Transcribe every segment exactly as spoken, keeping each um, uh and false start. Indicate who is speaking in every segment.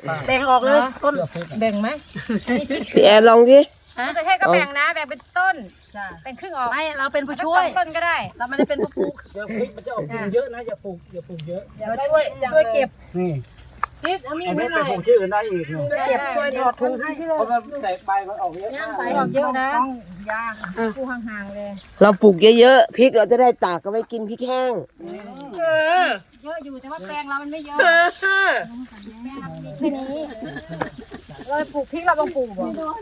Speaker 1: แบ่งออกเลยต้นแบ่งไหม
Speaker 2: พี่แอนลองดิ
Speaker 3: มะเขือเทศก็แบ่งนะแบ่งเป็นต้นแบ่งครึ่งออก
Speaker 1: ไม่เราเป็นผู้
Speaker 3: ช่
Speaker 1: ช่
Speaker 3: ว
Speaker 1: วย ย
Speaker 3: ต้นก็ได้
Speaker 1: เราไม่ได้เป็นผู้ปลูก
Speaker 4: เดี๋ยวพริกมันจะออกกินเยอะนะอย่าปลูกอย่าปลูกเยอะ
Speaker 1: เราช่วยช่วยเก็บ
Speaker 4: นี่
Speaker 1: ซิดเอามีด
Speaker 4: ไอ้
Speaker 1: ให้
Speaker 4: เม็ด
Speaker 1: ห
Speaker 4: ไป
Speaker 1: น่อย
Speaker 4: ปลูกที่อื่นได้อีกเนี่ย
Speaker 1: เก็บช่วยถอดถุงให้
Speaker 4: เพราะมันแตกใบมันออกเยอะมาก
Speaker 1: ไปออกเยอะนะยาผู้ห่างๆเลย
Speaker 2: เราปลูกเยอะๆพริกเราจะได้ตากก็ไม่กินพริกแห้ง
Speaker 4: เออ
Speaker 3: เยอะอยู่แต่ว่าแปลงเรามันไม่เยอะ
Speaker 4: เออ
Speaker 3: แค่นี้เราปลูกพริกเราต้องปลูกบ่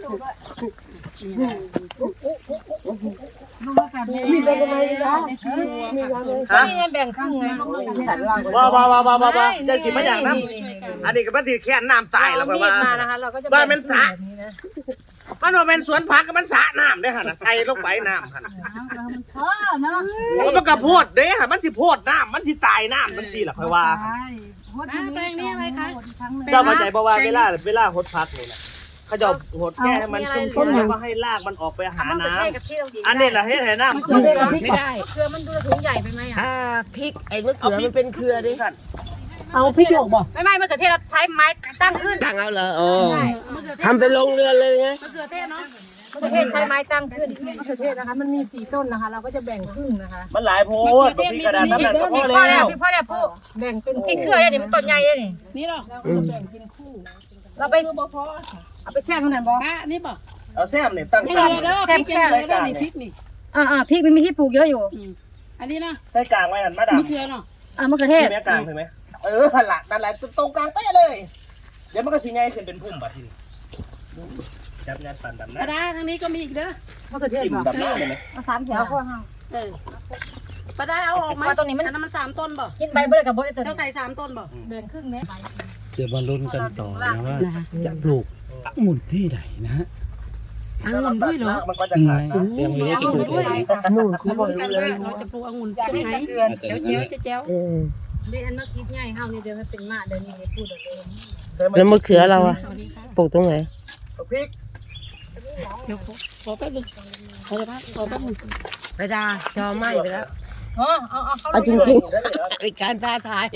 Speaker 2: มีได้ก็ไม่ได้
Speaker 4: ฮะ
Speaker 3: นี่แบ่งครึ่งไง
Speaker 2: สันล่าง
Speaker 4: ว้าวว้าวว้าวว้าวว้าวจะกินมาอย่างน้ำอันนี้ก็มันถือแค่น้ำตายแล้ว
Speaker 3: มี
Speaker 4: ว่า
Speaker 3: ดมานะคะเราก็จะ
Speaker 4: ว่ามันสระมันว่าเป็นสวนผักก็มันสระน้ำได้ค่ะใส่ลงไปน้ำค่ะ
Speaker 1: เออเนาะ
Speaker 4: มันก็โพดเด้ค่ะมันสิโพดน้ำมันสิตายน้ำมันสิหรอค่อยว่า
Speaker 1: แปลงนี้อะไรคะ
Speaker 4: เจ้าเข้าใจเพราะว่าเวลาเวลาหดพักนี่นะเขาจะหดแค่ให้มันชุ่มๆแล้วก็ให้รากมันออกไปหาน้ำอันนี้แหละให้ให้น้ำ
Speaker 2: ไม่ได้ไม่ได้
Speaker 3: เครือมันดูถุงใหญ่ไปไหมอ่ะ
Speaker 2: อ่าพริกไอ้มะเขือมันเป็นเครือดิ
Speaker 1: เอาพริกหยวกบ่
Speaker 3: ไม่ไม่มะเขือเทศเราใช้ไม้ตั้งขึ้น
Speaker 2: ตั้งเอาเหรออ๋อทำเป็นโรงเรือนเลยไง
Speaker 1: มะเขือเทศเนาะ
Speaker 3: มะเขือเทศใช้ไม้ตั้งขึ้น
Speaker 1: มะเขือเทศนะคะมันมีสี่ต้นนะคะ เราก็จะแบ่งครึ่งนะคะ
Speaker 4: มันหลายโพดบางทีกระดาษน้ำหนักก็พอ
Speaker 3: พ่อ
Speaker 4: แล้
Speaker 3: แล้ว
Speaker 4: ว
Speaker 3: พี่พ่อแล้วพูด
Speaker 1: แบ่งเป็น
Speaker 3: ที่เครือเนี่ยมันต้นใหญ่เลยนี่
Speaker 1: นี่หรอเราจะแบ่งเป็นคู่
Speaker 3: เราไปเอาไปแช่ข้างในบ่
Speaker 1: ป้านี่บ่
Speaker 4: เอาแซมเนี่ยตั้ง
Speaker 1: ไม่
Speaker 4: กลาง
Speaker 1: เลยเด้อพริกยังเลยเด้อนี่พริกนี่
Speaker 3: อ่าอ่าพริกมันมีที่ปลูกเยอะอยู่
Speaker 1: อันนี้นะ
Speaker 4: ใส่กลางไว้หันมาดาม
Speaker 1: มะเขือเนาะ
Speaker 3: อ่ามะเขือเทศ
Speaker 4: ใช่ไหมกลางใช่ไหมเออหันหลังนั่นแหละตรงกลางเป๊ะเลย เดี๋ยวมันก็สีใหญ่เส้นเป็นพุ่มบัดทีจับงานปั่นดำ
Speaker 1: ป
Speaker 4: น้
Speaker 1: ลาดาทางนี้ก็มีอีกเด้อ
Speaker 3: มะเขือเทศ
Speaker 4: ำจิ้ม
Speaker 3: บ่
Speaker 4: ดำน้ำเลยไหม
Speaker 3: มาสามแถวพ่อห้าง
Speaker 1: เออปลาดาเอาออกไหม
Speaker 3: ว่าตรงนี้มัน
Speaker 1: อันนั้นมันสามต้นบ่
Speaker 3: กินใบเบื่อกับบ่ได้ตัว
Speaker 1: เราใส่สามต้นบ่
Speaker 3: แบ่งครึ่งเนี้ย
Speaker 5: เดี๋ยวมาลุ้นกันต่อนะว่าจะปลูกองุ่นที่ไหนนะฮะ
Speaker 1: องุ่นด้วยเหรอ
Speaker 4: มันก็จะ
Speaker 5: ยังไง
Speaker 4: ขาด
Speaker 5: ยังไม่ได้จะปลูกเลย
Speaker 2: นู่น
Speaker 1: เราลุ้นกันว่าเราจะปลูกองุ่นตรงไหนเจ้าเจ้าเจ้าเจ้า
Speaker 2: อืม
Speaker 3: เดี๋ยวอันเมื่อกี้ใหญ่เฮานี่เดี๋ยวมันเป็นมาเดี๋ยวนี้พูดเดี๋ยว
Speaker 2: แล้วมะเขือเราอะ
Speaker 1: สวัสดีค่ะ
Speaker 2: ปลูกตรงไหน
Speaker 4: เอาพริก
Speaker 1: เดี๋ยวขอแป๊บนึงขอแป๊บขอแป๊บนึง
Speaker 2: ไปดาจอไหม้ไปแล้ว
Speaker 3: อ๋อเอาเอาเขา
Speaker 2: เอาจริงๆเป็นการท้าทาย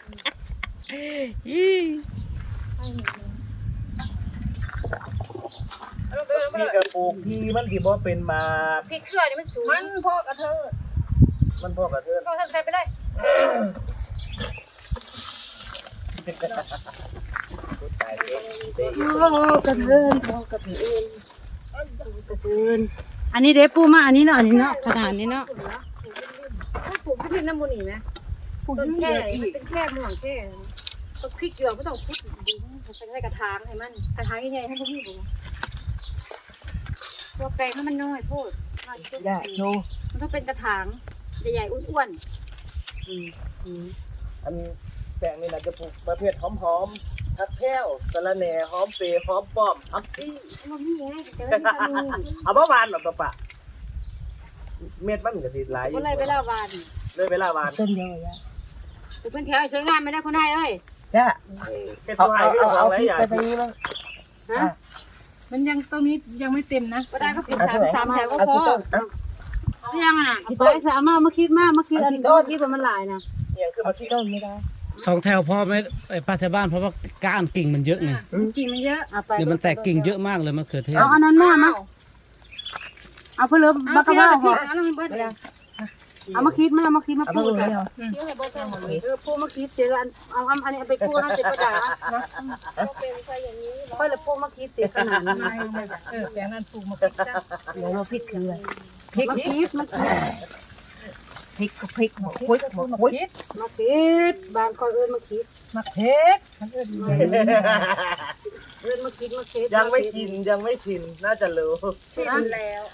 Speaker 2: ยี่
Speaker 4: พี่กระปลูกพี่มันที่บ่เป็นมา
Speaker 3: พริกเครือนี่มันสูง
Speaker 1: มันพ่อกระเทอ
Speaker 4: มันพ่อกระเทือน
Speaker 3: พ่อทำใส่ไปเลย
Speaker 1: พ่อกระเทินพ่อกระเทินกระเทินอันนี้เด็ปูมาอันนี้เนาะอันนี้เนาะขนาดนี้เนาะ
Speaker 3: ถ้าปลูกพริกน้ำมันนี่ไหมต้นแค่มันเป็นแค่หม่วงแค่ต้องพริกเกลือไม่ต้องพริกดินมันเป็นอะไรกระถางให้มันกระถางใหญ่ๆให้พวกนี้ดูตัวแปลงให้มันน้อยโพด
Speaker 2: อย่าโชว์
Speaker 3: มันต้องเป็นกระถางใหญ่ๆอ้วน
Speaker 4: อันแปลงนี่นะจะปลูกประเภทหอมๆผักแพ้วสะระแหน่หอมเปรย์หอมป้อมผักซี่
Speaker 3: ๆมันนี่ไงเจอที่ทำนี่
Speaker 4: เอาเมื่อวานหรอปะปะเม็ดมันก็สิหลายอยู่
Speaker 3: ก็เลยเวลาวาน
Speaker 4: เลยเวลาวาน
Speaker 2: ต้นเดียวเลย
Speaker 3: ปลูกเป็นแถวสวยงามไม่ได้คนไทยเอ้ย
Speaker 2: จ้ะ
Speaker 4: เฮ็ด
Speaker 2: เอา
Speaker 4: ตัวให้
Speaker 2: เอา
Speaker 4: ก็
Speaker 2: เอา
Speaker 4: ขอ
Speaker 2: เอา
Speaker 4: งหลา
Speaker 2: พ
Speaker 4: ย
Speaker 2: ริก
Speaker 4: อย่าง
Speaker 2: ไปตรงนี้บ้าง
Speaker 1: มันยังตรงนี้ยังไม่เต็มนะ
Speaker 3: ก็ได้ก็เป็นสามสามแถวก็
Speaker 2: เอา
Speaker 3: พอ
Speaker 2: ที่ต้นเอา
Speaker 3: เสียงอ่ะ
Speaker 1: ไปสามารถมาคิดมากมาคิดอันนี้คิดว่ามันหลายนะ
Speaker 4: อย่างคือมาที่
Speaker 2: ต้นไม่ได้
Speaker 5: สองแถวพอไหมไอ้ป้าแถวบ้านเพราะว่าก้านกิ่งมันเยอะไง
Speaker 3: กิ่งมันเยอะ
Speaker 1: เอาไป
Speaker 5: เดี๋ยวมันแตกกิ่งเยอะมากเลยมะเขือเทศ
Speaker 1: เอาอันนั้นมามาเอาเพื่อเลิฟบักกะว่าหอ
Speaker 3: เอาแล้วมันเบิดเลย
Speaker 1: เอามาคิดมามาคิดมา
Speaker 2: เอา
Speaker 1: พู
Speaker 2: ตร
Speaker 1: ด
Speaker 2: ง
Speaker 1: กัน
Speaker 2: นี้เอา
Speaker 3: เดี๋ยวให้เบิดใส่หมดเลย
Speaker 1: เออพูดมาคิดเสียอันเอาอันนี้ไปพูดนะเจ็บกระดาษนะค่อยเลยพูดมาคิดเสียขนาดนี้
Speaker 3: เออแปลงนั้นปลูกมาเป็นจ้า
Speaker 2: ไหนมาพริกคืออะไรพริก
Speaker 1: มาคิดมาคิด
Speaker 2: พริกก็พริกหมกพริกหมกพริก
Speaker 1: มาคิดบางคอยเอิญมาคิด
Speaker 2: มาเพ็ก
Speaker 1: เอิญมาคิดมาคิด
Speaker 4: ยังไม่กินยังไม่ชินน่าจะรู้
Speaker 1: ชินแล้ว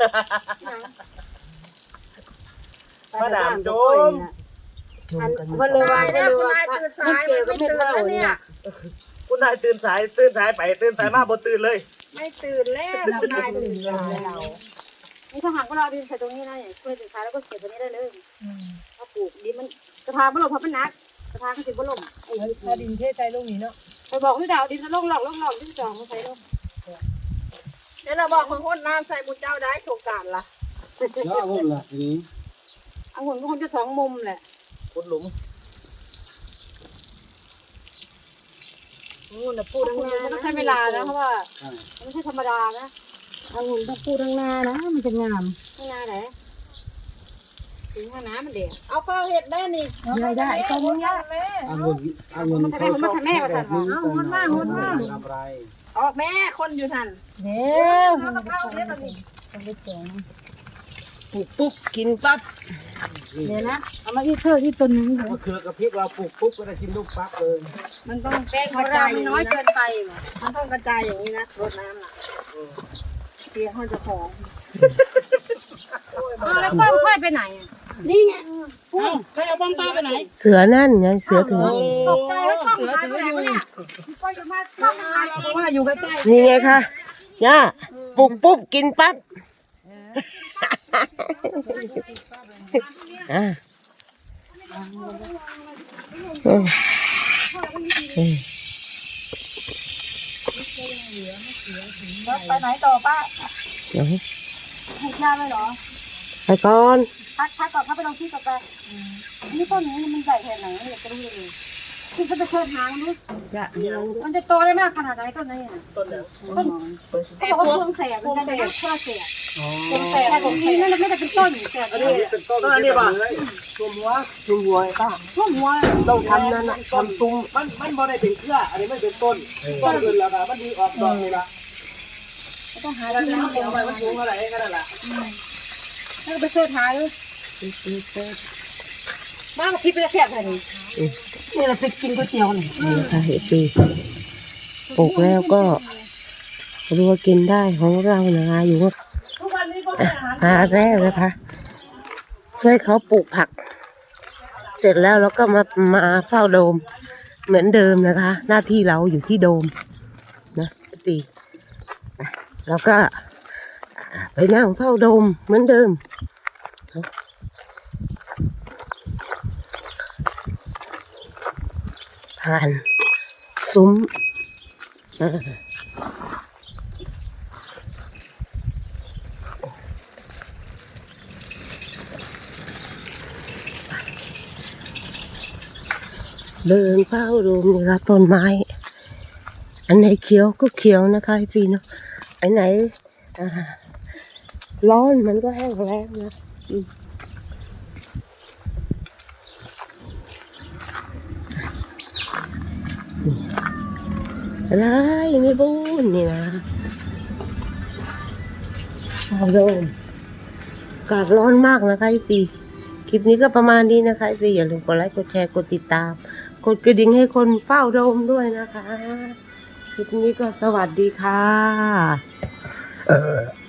Speaker 4: มาดามโจม
Speaker 1: อันเพื่อเลยว่าเพื่อเลยว่าไม่เกี่ยวกับเม็ดเหล้าเนี่ย
Speaker 4: คุณนายตื่นสายตื่นสายไปตื่นสายมาบ่ตื่นเลย
Speaker 1: ไม่ตื่นแล้วนายตื่นแล้ว
Speaker 3: นี่ถ้าหากว่าเราดินใส่ตรงนี้นะอย่างช่วยสินค้าแล้วก็เก็บตรงนี้ได้เลยถ้าปลูกดินมันกระถางมันหลบเพราะมันหนักกระถางก็สิบ่ล่มไอ้
Speaker 1: ถ้าดินเทใจลูกนี้เนาะ
Speaker 3: ไปบอกพี่ดาวดินจะล่มหลอกล่มหลอกที่สองมาใส่ล่ม
Speaker 1: เดี๋ยวเราบอกคนคนน้ำใส่บุญเจ้าได้โครงการละ
Speaker 5: แล้วองุ่นล่ะทีนี้
Speaker 3: องุ่นก็คงจะสองมุมแหละ
Speaker 4: ขุดหลุม
Speaker 3: องุ่นแบบปูทั้งนามันต้องใช้เวลานะเพราะว่ามันไม่ใช่ธรรมดานะ
Speaker 1: องุ่นต้องปูทั้งนานะมันจะงาม
Speaker 3: ทั้งนาไหนถึงว่าน้ำมันเด็ก
Speaker 2: เอาเฝ้าเห็ดแม่นี่
Speaker 1: ได้ได้ก็มึงยาก
Speaker 5: องุ่นองุ่น
Speaker 3: มันทำไมมันมาทำแม่มาสั่นวะ
Speaker 1: เอามันมามันมา
Speaker 5: ทำไร
Speaker 2: ออกแม่คนอยู่ทัน
Speaker 1: เดี๋ยว
Speaker 3: เอาเข้าเด็ดมันนี่
Speaker 1: ต้องไปแจง
Speaker 2: ปลูกปุ๊บกินปั๊บ
Speaker 1: เดี๋ยวนะเอามาอีกเธออีกตัวหนึง
Speaker 5: มะเขือกระพริบเราปลูกปุ๊บก็ได้กินลูกปั๊บเลย
Speaker 2: มันต้อง
Speaker 3: แป้งของเรามันน้อยเกินไปว่ะ
Speaker 2: มันต้องกระจายอย่างนี้นะรดน้ำน่ะเสียเขาจะหอม
Speaker 3: เออแล้วกล้องค่อยไปไหนอ่ะ
Speaker 1: นี่ไง
Speaker 2: ใครเอาบ้องป้าไปไหน
Speaker 6: เสือนั่นไงเสือถือ
Speaker 3: ตกใจว่ากล้องหายไปไหนวะเนี่ยก็จะมากล้องหายเอง
Speaker 2: ว่าอยู่ใกล้
Speaker 6: นี่ไงคะย่าปลุกปุ๊บกินปั๊บอ่ะอืมอืม
Speaker 3: ไปไหนต่อป้า
Speaker 6: เดี๋ยว
Speaker 3: ถูกยาเลยเหรอ
Speaker 6: ไปก่อน
Speaker 3: พักพักก่อนพักไปลองที่ต่อไปนี่ต้นนี้มันใหญ่แค่ไหนอยากจะรู้เลยคือจะไปเชิญหามันดู
Speaker 2: ๆจะเลี้ยง
Speaker 3: มันจะโตได้มากขนาดไหนต้นนี้อ่ะ
Speaker 4: ต้นแล้ว
Speaker 3: ต้นเขาบอกว่าพวงแสบมันจะเป็นพวงแสบพวงแสบแต่ของนี้นั่นไม่ได้เป็นต้นแสบ
Speaker 4: อัน
Speaker 3: เล
Speaker 4: นี้
Speaker 3: ย
Speaker 4: เป็นต้นอันนี้ป่ะตัวหัว
Speaker 6: ชุมหัวป้า
Speaker 3: ช่วงหัว
Speaker 6: ต้องทำนั่นน่ะทำซุ้ม
Speaker 4: มันมันบ่ได้เป็นเครืออันนี้มันเป็นต้นต้นอื่นแล้วก็มันดีออกดอกนี่ละ
Speaker 3: ต้องหา
Speaker 4: แล้ว
Speaker 3: ที่
Speaker 4: น้ำ
Speaker 3: น้ำ
Speaker 4: เต็มไปมันสูงเท่าไหร่แค่นั้นแหละ
Speaker 3: แล้วไปเชิญหาดูมากกว่าพี่ไปจะแสบเลยนี่
Speaker 1: นี่เราไปกินก๋วยเตี๋ยวนี่
Speaker 6: นี่ค่ะเห็ดปีปลูกแล้วก็รัวกินได้ของเรานะคะอยู่ว่า
Speaker 2: ทุกวันนี้ก็ให้อาหาร
Speaker 6: หาแรกนะคะ ช่วยเขาปลูกผัก เสร็จแล้วเราก็มามาเฝ้าโดม เหมือนเดิมนะคะ หน้าที่เราอยู่ที่โดมนะตีแล้วก็ไปนั่งเฝ้าโดมเหมือนเดิม ผ่านซุ้มอ่าเดินเฝ้าดูนี่ละต้นไม้ อันไหนเขียวก็เขียวนะคะพี่เนาะอันไหนอ่าร้อนมันก็แห้งแล้งนะอืมอะไรไม่บูนนี่นะเอาโดมอากาศร้อนมากนะคะพี่คลิปนี้ก็ประมาณนี้นะคะพี่อย่าลืมกดไลค์กดแชร์กดติดตามกดกระดิ่งให้คนเฝ้าโดมด้วยนะคะคลิปนี้ก็สวัสดีค่ะ